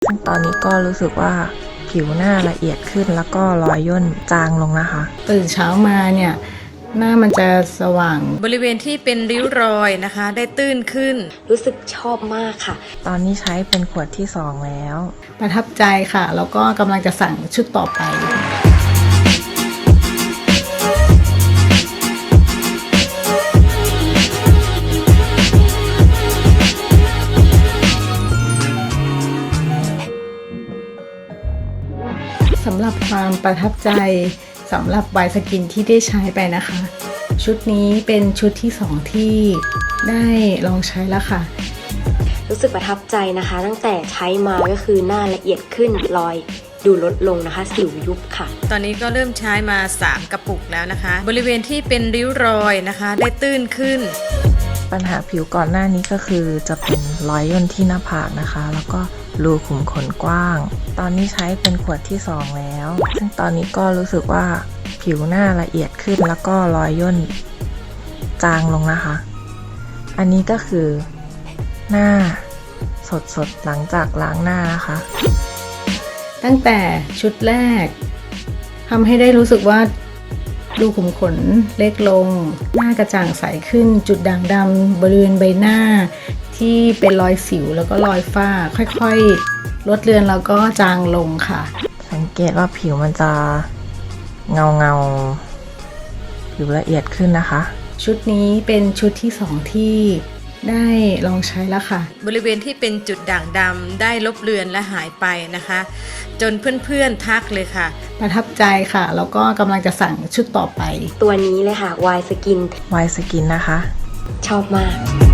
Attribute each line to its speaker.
Speaker 1: ซึ่งตอนนี้ก็รู้สึกว่าผิวหน้าละเอียดขึ้นแล้วก็รอยย่นจางลงนะคะ
Speaker 2: ตื่นเช้ามาเนี่ยหน้ามันจะสว่าง
Speaker 3: บริเวณที่เป็นริ้วรอยนะคะได้ตื้นขึ้น
Speaker 4: รู้สึกชอบมากค่ะ
Speaker 1: ตอนนี้ใช้เป็นขวดที่2แล้ว
Speaker 2: ประทับใจค่ะแล้วก็กำลังจะสั่งชุดต่อไปสำหรับความประทับใจสำหรับY Skinที่ได้ใช้ไปนะคะชุดนี้เป็นชุดที่2ที่ได้ลองใช้แล้วค่ะ
Speaker 4: รู้สึกประทับใจนะคะตั้งแต่ใช้มาก็คือหน้าละเอียดขึ้นรอยดูลดลงนะคะสิวยุบค่ะ
Speaker 3: ตอนนี้ก็เริ่มใช้มา3กระปุกแล้วนะคะบริเวณที่เป็นริ้วรอยนะคะได้ตื้นขึ้น
Speaker 1: ปัญหาผิวก่อนหน้านี้ก็คือจะเป็นรอยย่นที่หน้าผากนะคะแล้วก็รูขุมขนกว้างตอนนี้ใช้เป็นขวดที่2แล้วซึ่งตอนนี้ก็รู้สึกว่าผิวหน้าละเอียดขึ้นแล้วก็รอยย่นจางลงนะคะอันนี้ก็คือหน้าสดๆหลังจากล้างหน้านะคะ
Speaker 2: ตั้งแต่ชุดแรกทำให้ได้รู้สึกว่ารูขุมขนเล็กลงหน้ากระจ่างใสขึ้นจุดด่างดำบริเวณใบหน้าที่เป็นรอยสิวแล้วก็รอยฝ้าค่อยๆลดเลือนแล้วก็จางลงค่ะ
Speaker 1: สังเกตว่าผิวมันจะเงาผิวละเอียดขึ้นนะคะ
Speaker 2: ชุดนี้เป็นชุดที่2ที่ได้ลองใช้แล้วค่ะ
Speaker 3: บริเวณที่เป็นจุดด่างดำได้ลบเลือนและหายไปนะคะจนเพื่อนๆทักเลยค่ะ
Speaker 2: ประทับใจค่ะแล้วก็กำลังจะสั่งชุดต่อไป
Speaker 4: ตัวนี้เลยค่ะY Skin
Speaker 1: Y Skinนะคะ
Speaker 4: ชอบมาก